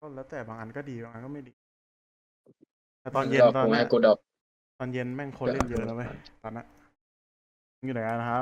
แล้วแต่บางอันก็ดีบางอันก็ไม่ดีแต่ตอนมึงเย็หลอกกูนตอนเนี้ยให้กูดรอปตอนเย็นแม่งคนเล่นเยอะแล้วเว้ยตอนนั้นมึงอยู่ไหนกันนะครับ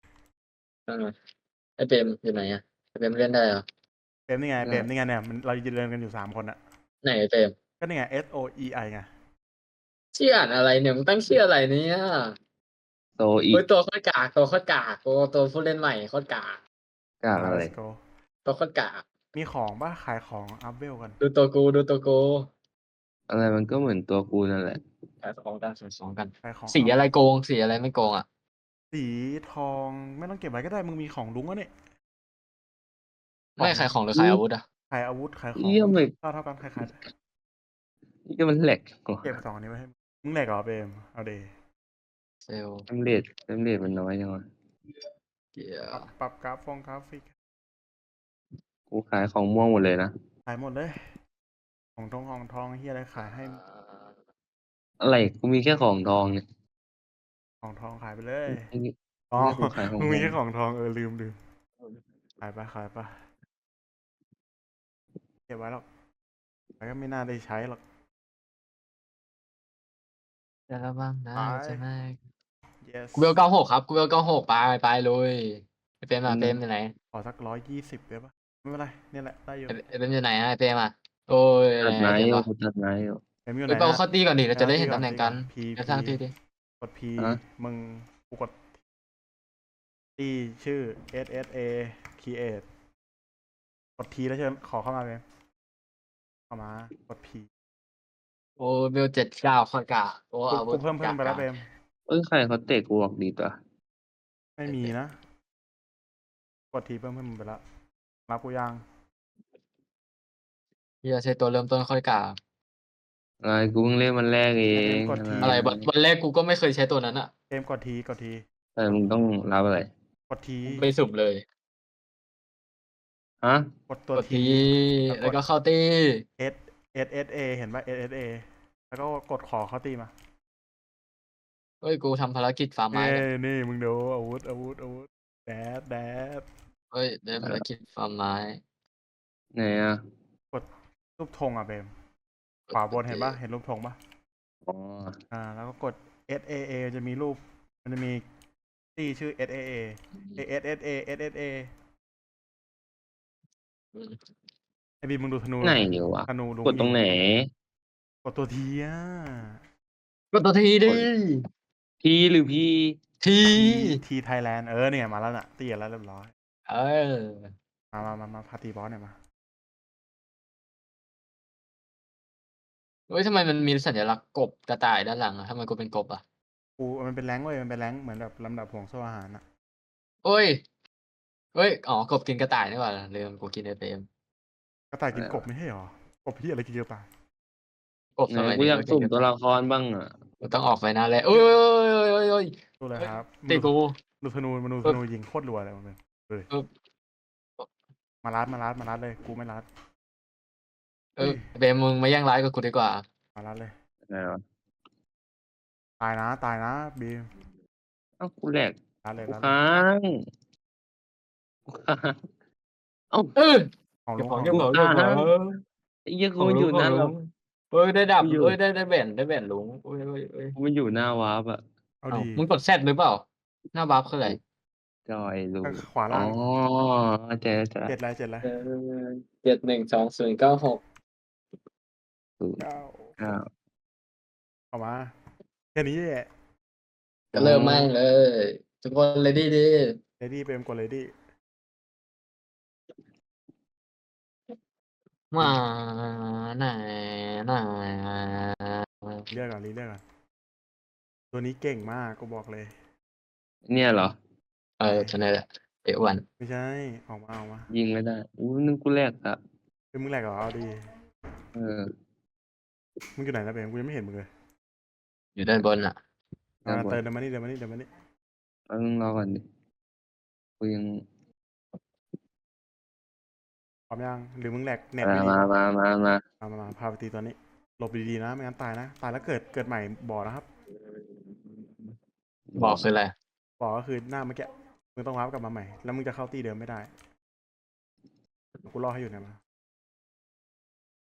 ไอเปรมอยู่ไหนอะไอเปรมเล่นได้เหรอเปรมนี่ไงเปรมนี่ไงเนี่ยมันเรายืนเรียนกันอยู่3 คนอะไหนไอเปรมก็นี่ไง SOEI ไงชื่ออ่านอะไรเนี่ยมึงตั้งชื่ออะไรเนี่ยโซอีโอ้ยตัวโคตรกากตัวโคตรกากตัวผู้เล่นใหม่โคตรกากกากอะไร let's go ตัวโคตรกากมีของป่ะขายของอัพเวลกันดูตัวกูอะไรมันก็เหมือนตัวกูนั่นแหละขายของกันขายของกันขายของสีอัพอะไรโกงสีอะไรไม่โกงอ่ะสีทองไม่ต้องเก็บไว้ก็ได้มึงมีของลุงวะเนี่ยขอไม่งขายของหรือขายอาวุธอ่ะขายอาวุธขายของเยี่ยมเลยเท่ากันขายเยี่ยมันแหลกกว่าเก็บ2อันนี้ไว้ให้มึงแหลกเหรอเปรมเอาเดเซลล์เต็มเรทมันน้อยจังวะเกียปรับกราฟิกกูขายของม่วงหมดเลยนะขายหมดเลยของทองเฮียอะไรขายให้อะไรกูมีแค่ของทองเนี่ยของทองขายไปเลยไอ้นี่อ๋อนี่กูขายขอมึงม่วงงมีแค่ของทองลืมขายไปเก็บไว้หรอกแต่ก็ไม่น่าได้ใช้หรอกจะระวังนะไปจะไม่ yes กูเวล96ครับกูเวล96ไปเลยไอเปรมอ่ะเปรมอยู่ไหนขอสัก120ได้ปะไม่เป็นไรเนี่ยแหละได้อยู่ไอเปรมอยู่ไหนอ่ะไอเปรมอ่ะโอ้ยตัดไอไม้อยู่เปรมเหรอกูตัดไม้อยู่เอ็มอยู่เฮ้ยเปาไหนนะเข้าตีก่อนดิเราจะได้เห็นตีตำแหน่งกันพีจะสร้างตีดิกด P ฮะมึงกูกดตีชื่อ SSA create กด T แล้วเชิญขอเข้ามาเลยเข้ามากด P โอ้เบล79ข้อกาโอ้อาวุกูธเพิ่มไปแล้วเปรมใครเขาเตะกูออกดีตัวไม่มีนะกด T เพิ่มไปแล้วรับกูยังเฮียใช้ตัวเริ่มต้นข้อกาอะไรกูเพิ่งเล่นมันแรกเอไอเปรมงกด T อะไรวันแรกกูก็ไม่เคยใช้ตัวนั้นอ่ะเปรมกด T แต่มึงต้องรับอะไรกด T ไปสุ่มเลยฮะกดตัวกด T ทีแล้วกแล้วดก็เข้าตี S SSA เห็นป่ะ SSA แล้วก็กดขอเข้าตีมาเฮ้ยกูทำภารกิจฟาร์มไม้เนี่ยนี่มึงดูอาวุธแดดเฮ้ยได้ภารกิจฟาร์มไม้ไหนอ่ะกดรูปธงอ่ะเบมขวาบนเห็นป่ะเห็นรูปธงป่ะอ๋อแล้วก็กด SAA จะมีรูปมันจะมีตีชื่อ SAA SSA อืมไอบีมึงดูธนูไหนอยู่วะธนูลุงกดตรงไหนกดตัวทีอ่ะกดตัวทีดิพีหรือพีทีทีไทยแลนด์เนี่ยมาแล้วน่ะตีกันแล้วเรียบร้อยเออมาพาตีบอสเนี่ยมาเฮ้ยทำไมมันมีสัญลักษณ์กบกระต่ายด้านหลังอะทำไมกูเป็นกบอ่ะมันเป็นแรงค์เว้ยมันเป็นแรงค์เหมือนแบบลำดับห่วงโซ่อาหารอ่ะเฮ้ยอ๋อกบกินกระต่ายนี่หว่าลืมกูกินไอเปรมกระต่ายกินกบไม่ใช่หรอกบที่อะไรกินกระต่ายกบไหนสมัยกูนี้อยากก็กินสุ่มกระตัวต่ายละครบ้างอ่ะกูต้องออกไปนะเลยโอ้ยดูเลยครับตีกูดูธนูยิงโคตรรัวเลยมันเป็นเลยเออมารัดเลยกูไม่รัดเปรมมึงมาแย่งไลฟ์กับกูดีกว่ามารัดเลยไหนวะตายนะบีมเอ้ากูแหลกรัดเลยกูรัดเลยค้างกูค้างเอ้าของเก็ลุบงของของเก็บลุของงเก็บของไอ้เหี้ยกูของมันลุอง ยู่ขหองน้าลุเรางเฮ้ยได้ดับกูอยู่เฮ้ยได้แบนลุงเฮ้ยกูมันอยู่หน้าวาร์ปอ่ะเอาดีมึงกดแซดหรือเปล่าหน้าบัฟคืออะไรจอยรูขวาอ๋อล่างเจ๊ 7อะไร 712096 9 อ้าวเอามาแค่นี้แหละก็เริ่มไม่เลย ทุกคนเลดี้ดีเลดี้เปรมกดเลดี้มาไหนไหนเรียกก่อนตัวนี้เก่งมากกูบอกเลยเนี่ยเหรอชนะแหละเอวันไม่ใช่ออกมายิงไม่ได้อู้นึงกูแหลกอ่ะเป็นมึงแหลกเหรอเอาดีเออมึงอยู่ไหนนะเปรมกูยังไม่เห็นมึงเลยอยู่ด้านบนอ่ะด้านบนเดินมานี่แป๊บนึงรอก่อนดิกูยังพร้อมยังหรือมึงแหลกเน็ตมาไม่ดีมาพาไปตีตัวนี้หลบดีๆนะไม่งั้นตายนะตายแล้วเกิดใหม่บอกนะครับบอกคืออะไรบอกก็คือหน้าเมื่อกี้มึงต้องวาร์ปกลับมาใหม่แล้วมึงจะเข้าตีเดิมไม่ได้กูรอให้อยู่เนี่ยมา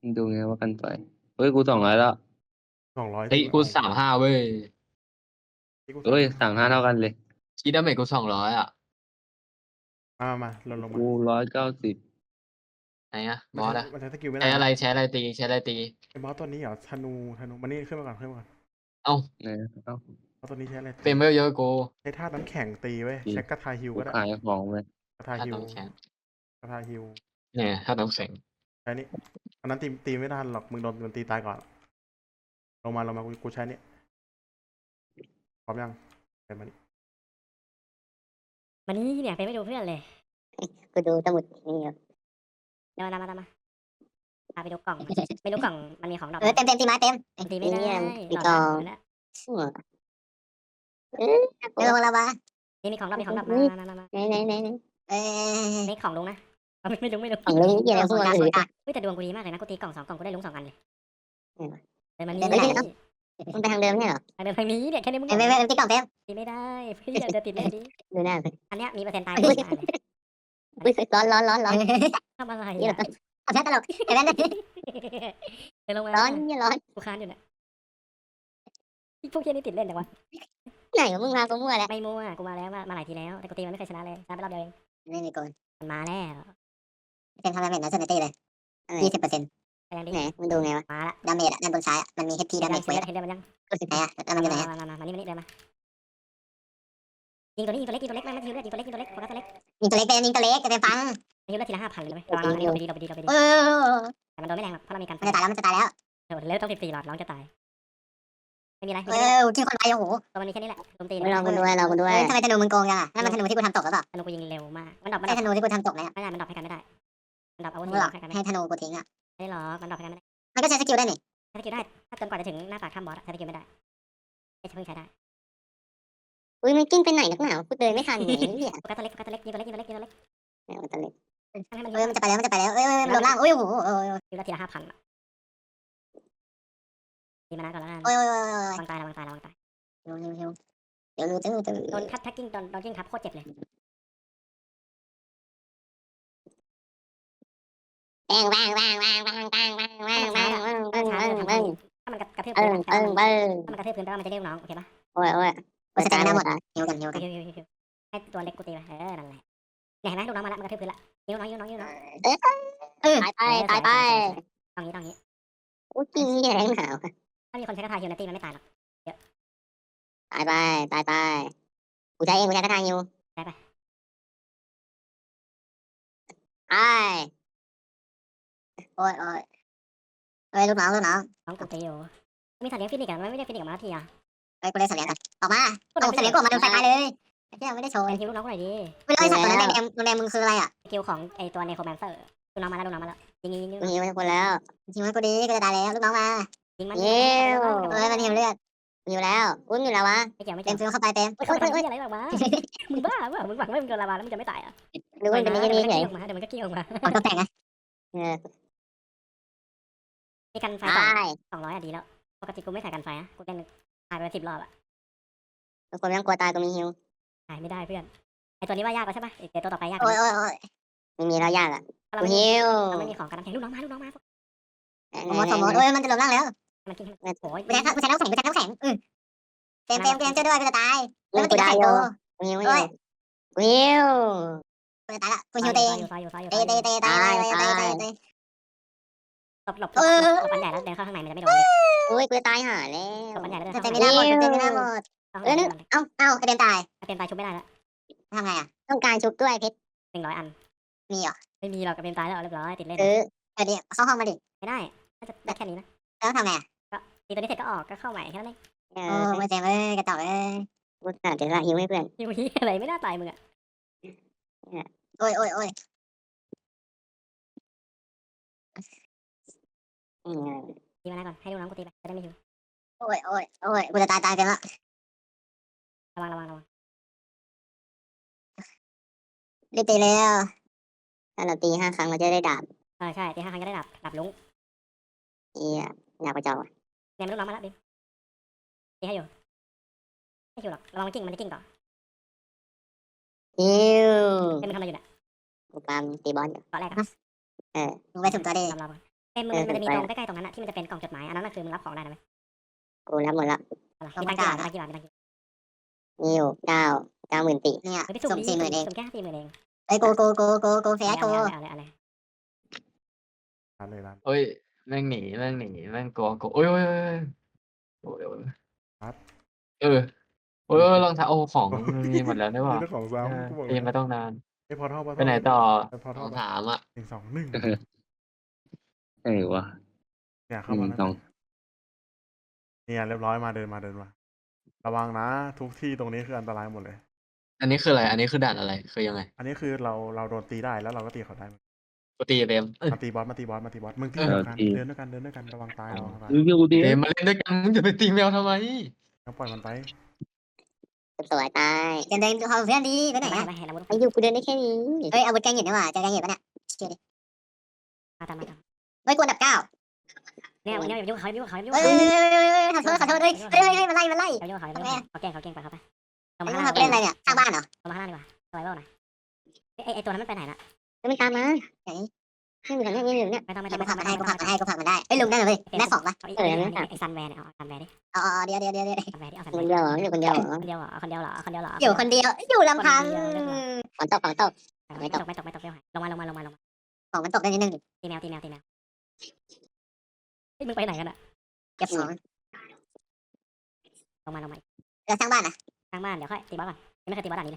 ดูไงว่ากันไฟเฮ้ยกู200แล้ว 200 เฮ้ยกู35เว้ยเฮ้ย35เท่ากันเลยคีดาเมจกู200อ่ะมาลงมากู190 ไหนอะบอสอะมันใช้สกิลไม่ได้ใช้อะไรนะใช้อะไรตีใช้อะไรตีไอ้บอสตัวนี้เหรอธนูมันนี่ขึ้นมาก่อนเอ้านะเอ้าบอสตัวนี้ใช้อะไรตีเฟรมเวลเยอะกูใช้ธาตุน้ำแข็งตีเว้ยจริงใช้กระทาฮิวกูก็ได้ขายของไปกระทาถ้าฮิวน้ำแข็งกระทาฮิวเนี่ยถ้าน้ำแข็งใช้นี่อันนั้นตีไม่ทันหรอกมึงโดนมันตีตายก่อนลงมากูใช้นี่พร้อมยังเป็นมานี่วันนี้เนี่ยไปไม่ดูเพื่อนเลยกูดูสมุดนี่อยู่เดี๋ยวมาพาไปดูกล่อง ไม่รู้กล่องมันมีของดอกเต็มตีไม้เต็มตีไม่ได้มีดกออก งนะไม่ลงแล้ววะนี่มีของดอกมาไหนนี่ของลุงนะไม่รู้ของลุงนี่อะไรพวกเราอื่นเฮ้ยแต่ดวงกูดีมากเลยนะกูตีกล่อง2 กล่องกูได้ลุง2 อันเลยแต่มันเดินไปไหน มันไปทางเดิมใช่เหรอเดินทางนี้เนี่ยแค่นี้มึงไม่ตีกล่องเต็มตีไม่ได้เพื่อนจะติดเลยดิดูหน้าอันเนี้ยมีเปอร์เซ็นต์ตายอุ้ยมากเลยร้อนทำอะไรนี่อ่ะเอาแค่ตลกเห็นไหมเดินลงมาร้อนกูค้านอยู่เนี่ยพวกเชี่ยนี่ติดเล่นแต่ว่าไหนมึงมากูมั่วแล้วไม่มั่วกูมาแล้วมาหลายทีแล้วแต่กูตีมันไม่เคยชนะเลยชนะไปรอบเดียวเองไม่มีโกนมันมาแล้วเป็นทำดาเมจนะเซนตี้เลย20% ไปยังดิไหนมึงดูไงวะมาละดาเมจด้านบนซ้ายมันมี HP ดาเมจเห็นเดินมันยังไหนอ่ะแล้วมันอยู่ไหนมานี่เดินมายิงตัวนี้ยิงตัวเล็กไม่ยิงตัวเล็กโฟกัสตัวเล็กยิงตัวเล็กเป็นยิงตัวเล็กจะเป็นฟังยิงเลือดทีละ5,000เลยไหมเราไปดีโอ้แต่มันโดนไม่แรงหรอกเพราะเรามีการมันจะตายแล้วมันจะตายแล้วเร็วต้อง14 หลอดร้องจะตายไม่มีอะไรที่คนไปโอ้โหตัวมันมีแค่นี้แหละลมตีเราคุณด้วยทำไมธนูมึงโกงจังอ่ะนั่นมันธนูที่กูทำตกหรือเปล่าธนูกูยิงเร็วมากมันดรอปไม่ใช่ธนูที่กูทำตกเลยอ่ะไม่ได้มันดรอปให้กันไม่ได้มันดรอปอาวุธมึงหรอกให้กันไม่ให้ธนูกูทิ้งอ่ะได้หรอกมันดรอปให้กันไม่ได้มันก็ใช้สกิลได้นี่ใช้สกิลได้ถ้าจนกว่าจะถึงหน้าปากถ้ำบอสใช้สกิลไม่ได้ไม่ใช่เพิ่งใช้ได้อุ้ยมันกิ้งไปไหนนักหนากูเดินไม่ทันเนี่ยโฟกัสตัวเล็กยิงตัวเล็กตัวเล็กให้มันมันจะไปแล้วลงล่างโอ้ยโหยิงละทีละ5,000ตีมานะก่อนแล้วกันโอ้ยระวังตายเร็วโดนทับกิ้งโดนกิ้งทับโคตรเจ็บเลยแบงถ้ามันกระทืบพื้นถ้ามันกระทืบพื้นแปลว่ามันจะเรียกน้องโอเคปะโอ้ยกูสแตนได้หมดอ่ะฮิวกันให้ตัวเล็กกูตีไปนั่นแหละเนี่ยเห็นไหมลูกน้องมาแล้วมันกระทืบพื้นละยิ้วน้องตายไปต้องงี้โอ้ยกิ้งแรงหนาวถ้ามีคนใช้กระทาฮิวในตีมันไม่ตายหรอกตายไปกูใช้เองกูใช้กระทางฮิวได้ไปโอ้ยลูกน้องน้องกูตีอยู่มีสัตว์เลี้ยงฟินิกส์ไม่ได้ฟินิกส์มาทีอ่ะเอ้ยกูเล่นเสลียงกันออกมาเอาเสลียงกูออกมาโดนไฟตายเลยไอ้เหี้ยไม่ได้โชว์เป็นฮิวลูกน้องกูหน่อยดิไม่รู้ไอ้สัตว์ตัวนั้นแดงมึงคืออะไรอ่ะสกิลของไอตัวเนโครแมนเซอร์ลูกน้องมาแล้วยิงกูฮิวให้คนแล้วฮิวให้กูดีกูจะตายแล้วลูกน้องมายิงมันเอ้ยมันฮิวเลือดฮิวแล้วอุ้มอยู่แล้ววะไม่เกี่ยวเต็มฟิวเข้าไปเต็มอะไรแบบว่ามึงบ้ามึงหวังว่ามึงโดนลาวาแล้วมึงจะไม่ตายอ่ะดูมันเป็นอย่างนี้เฉยเดี๋ยวมันก็เกี่ยวมาออกตัวแต่งไงมีกันไฟตาย 200อ่ะดีแล้วปกติกูไม่ใส่กันไฟอ่ะกูเป็นตายไป10 รอบอ่ะทุกคนไม่ต้องกลัวตายกูมีฮิวตายไม่ได้เพื่อนไอตัวนี้ว่ายากกว่าใช่ปะเดี๋ยวตัวต่อไปยากโอ้ยไม่มีแล้วยากอ่ะกูฮิวเราไม่มีของกันน้ำแข็งลูกน้องมาสมมติโอ้ยมันจะลงล่างแล้วมันกินโอ้ยกูใช้น้ำแข็งเต็มช่วยด้วยกูจะตายแล้วมันติดไข่กูกูฮิวกูจะตายละกูฮิวเตะตายหลบปันใหญ่แล้วเดินเข้าข้างในมันจะไม่โดนอุ้ยกูจะตายห่าแล้วหลบปันใหญ่แล้วเดินจะเข้าเต็มไม่ได้หมดจะเต็มไม่ได้หมดเอ้าไอเต็มตายเต็มตายชุบไม่ได้แล้วทำไงอ่ะต้องการชุบด้วยเพชร 100 อันมีเหรอไม่มีหรอกเต็มตายแล้วเรียบร้อยติดเล่นเดี๋ยวเข้าห้องมาดิไม่ได้น่าจะได้แค่นี้นะแล้วทำไงตีตัวนี้เสร็จก็ออกก็เข้าใหม่แค่นั้นเองโอ้ไม่เต็มเลยกระจอกเลยกูขาดเดี๋ยวละหิวให้เพื่อนยูฮีอะไรไม่น่าตายมึงอ่ะโอ้ยตีมาแล้วก่อนให้ลูกน้องกูตีไปจะได้ไม่หิวโอ้ยกูจะตายกันละระวังรีบตีแล้วถ้าเราตี5 ครั้งเราจะได้ดาบใช่ตี5 ครั้งก็ได้ดับลุงอยากกระจอกเนี่ยลูกน้องมาแล้วดิตีให้อยู่ไม่หิวหรอกระวังมันกิ้งต่อฮิวเป็นมันทำอะไรอยู่เนี่ยกูปามตีบอลอยู่ตอนแรกอะมึงไปถึงตัวดิเราเต็มมึงมันจะมีตรงใกล้ๆตรงนั้นอะที่มันจะเป็นกล่องจดหมายอันนั้นน่ะคือมึงรับของได้นะไหมกูรับหมดละมีตังค์กี่บาทมีตังค์กี่บาทมีตังค์กี่บาทมีอยู่90,000 เนี่ยเฮ้ยไปสุ่มดิ 40,000 เองสุ่มแค่40,000เองเอ้ยโกเฟสโกเอาเลยร้านเลยร้านเอ้ยแม่งหนีแม่งกลัวโอ้ยโอ้ยครับเออโอ้ยรองเท้าโอ้ของมันมีหมดแล้วได้ป่ะนี่เจ้าของซ้ำกูบอกเตรียมมาต้องนานไอ้พอท่อไปไหนต่อพอท่อถามอ่ะ 121 วะเนี่ยเข้ามาแล้วสองเนี่ยเรียบร้อยมาเดินมาระวังนะทุกที่ตรงนี้คืออันตรายหมดเลยอันนี้คืออะไร อันนี้คือด่านอะไรคือยังไงอันนี้คือเราโดนตีได้แล้วเราก็ตีเขาได้กูตีเต็มมาตีบอสมึงตีเออเดินด้วยกันระวังตายระวังตายเดี๋ยวดิเต็มมาเล่นด้วยกันมึงจะไปตีแมวทำไมต้องปล่อยมันไปสวยตายจะเดินดูเขาเพื่อนดีไปไหนไปเห็นอาวุธไอ้อยู่กูเดินได้แค่นี้เฮ้ยอาวุธแกงเห็นได้ว่ะเจอแกงเห็นปะเนี่ยเจอดิมาตามเฮ้ยกูอันดับ 9 เนี่ยมึงอย่ายุ่งเขาอย่ายุ่งเขาอย่ายุ่งเฮ้ยขอโทษเฮ้ยมันไล่อย่ายุ่งเขาอย่ายุ่งเขาเก่งไปเขาไปลงไอ้มาพวข้าก งเขาล่างเล่นอะไรเนี่ยสร้างบ้านเหรอลงมาข้างล่างดีกว่าสไวเวอร์หน่อยไอตัวนั้นมันไปไหนละไม่ตามมาไหนนี่อยู่ไหนนี่อยู่เนี่ยไม่ต้องกูผลักมันให้กูผลักมันได้เฮ้ยลุงได้เลยแม่2ปะไอซันแวร์เนี่ยเอาซันแวร์ดิอ๋อเดี๋ยวซันแวร์ดิเอาซันคแวร์นเดียวเหรออยู่คนเดียวเหรอคนเดียวเหรอคนเดียวเหรอคนเดียวเหรออยู่คนเดียวอยู่ลำพังฝนตกไม่ตกไม่ตกลงมาของมันตกได้นิดนึงตีแมวเฮ้ยมึงไปไหนกันอะเก็บของลงมาแล้วสร้างบ้านนะทางบ้านเดี๋ยวค่อยตีบอสก่อนไม่เคยตีบอสด่านนี้เลย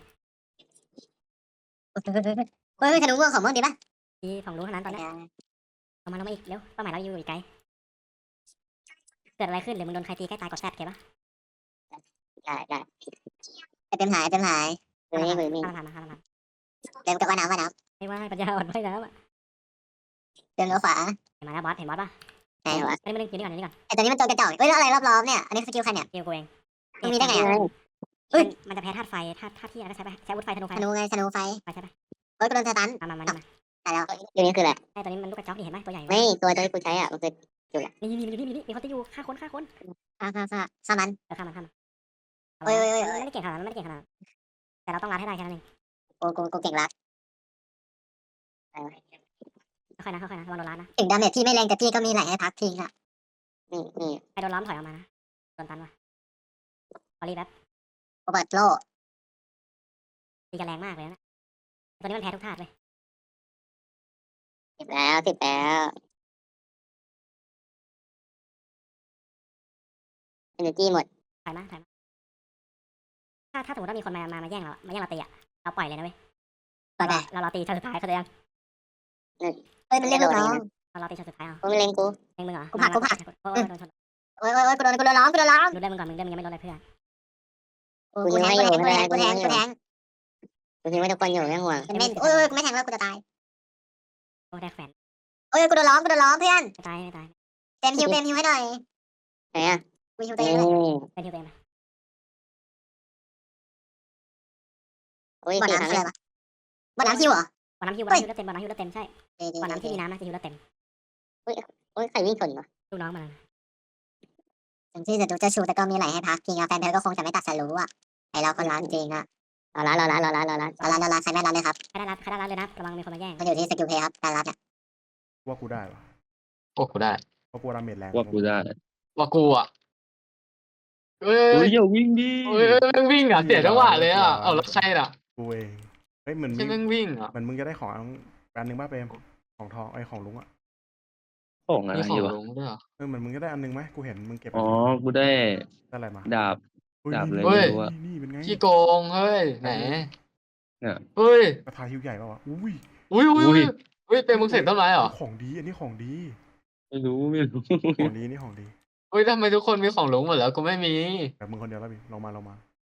เฮ้ยธนูม่วงของม่วงดีป่ะตีของรู้เท่านั้นตอนนี้ลงมาอีกเร็วเป้าหมายเราอยู่อีกไกลเกิดอะไรขึ้นหรือมึงโดนใครตีใกล้ตายกดแซดเก็บปะได้เต็มหายมือนี่ข้ามมาเต็มกับว่าน้ำไม่ว่าปัญญาอ่อนไม่แล้วอะเดินเลี้ยวขวาเห็นมาแล้วบอสเห็นบอสป่ะไหนวะไม่ได้อยู่นี่ก่อนไอตัวนี้มันตัวกระจอกเฮ้ยแล้วอะไรรอบๆเนี่ยอันนี้สกิลใครเนี่ยเกี่ยวกูเองมันมีได้ไงมันจะแพ้ธาตุไฟธาตุที่อะไรใช้อาวุธไฟธนูไฟธนูไงธนูไฟใช่ปะเฮ้ยกูโดนสตันมาตายแล้วตัวนี้คืออะไรไอ้ตัวนี้มันลูกกระจอกนี่เห็นไหมตัวใหญ่ไม่ตัวที่กูใช้อ่ะมันคือนี่มีคนที่อยู่ฆ่าคนฆ่ามันฆ่ามันไม่ได้เก่งขนาดนั้นแต่เราต้องรัดให้ได้แค่นั้นเองกูเก่งรัดค่อยนะระวังโดนรัดนะถึงดาเมจพี่ไม่แรงแต่พี่ก็มีไหลให้พักทิ้งอ่ะนี่ใครโดนล้อมถอยออกมานะโดนตันว่ะพอรีแบบกูเปิดโลตีกันแรงมากเลยนะตัวนี้มันแพ้ทุกธาตุเลย 10 แล้วenergy หมดถ่ายมาถ้าสมมติว่ามีคนมาแย่งเราตีอ่ะเราปล่อยเลยนะเว้ยเราตีชั้นสุดท้ายเขาจะยังเฮ้ยมันเรียกลูกน้องเราตีชั้นสุดท้ายเอากูไม่เล็งกูเองมึงเหรอกูผลักโอ้โดนชนโอ้ยกูโดนล้อมดูได้มึงก่อนมึงยังไม่โดนอะไรเพื่อนกูแทงกูคิดว่าทุกคนอยู่ไม่ห่วงโอ้ยกูไม่แทงแล้วกูจะตายโอ้ได้แขวนโอ้ยกูโดนล้อมเพื่อนไม่ตายเต็มฮิวให้หน่อยไหนอ่ะกูฮิวตัวเองเลยเป็นที่เต็มโอ้ยบ่อน้ำคืออะไรวะบ่อน้ำฮิวเหรอบ่อน้ำฮิวเต็มใช่บ่อน้ำที่มีน้ำนะจะฮิวเต็มโอ้ยใครวิ่งชนวะลูกน้องมันถึงที่จะดูจะชูแต่ก็มีไหลให้พักจริงอ่ะแฟนเธอก็คงจะไม่ตัดสรู้อ่ะไอเราคนร้านจริงอ่ะรอร้านใครไม่ร้านเลยครับใครได้รัดเลยนะระวังมีคนมาแย่งมันอยู่ที่สกิลเพย์ครับการรับเนี่ยว่ากูได้ปะโอ้กูได้เพราะกูดาเมจแรงว่ากูได้ว่ากูอ่ะเอ้เฮ้ยยอย่าวิ่งดิแม่งวิ่งอ่ะเสียจังหวะเลยอ่ะเอาแล้วใครล่ะกูเองเฮ้ยเหมือนใช่แม่งวิ่งอ่ะเหมือนมึงจะได้ของอันนึงป่ะเปรมของทองไอของลุงอ่ะของอะไรมีของวะลุงด้วยเหรอเหมือนมึงจะได้อันนึงไหมกูเห็นมึงเก็บอ๋อกูได้ได้อะไรมาดาบ ดาบเลยเฮ้ยไม่รู้อะนี่เป็นไงขี้โกงเฮ้ยไหนเนี่ยเฮ้ยกระทาฮิวใหญ่ป่าวะอุ้ยอุ้ยเป็นมึงเสกต้นไม้เหรอของดีอันนี้ของดีไม่รู้ของดีนี่ของดีเฮ้ยทำไมทุกคนมีของลุงหมดแล้วกูไม่มีแบบมึงคนเดียวแล้วพี่ลงมา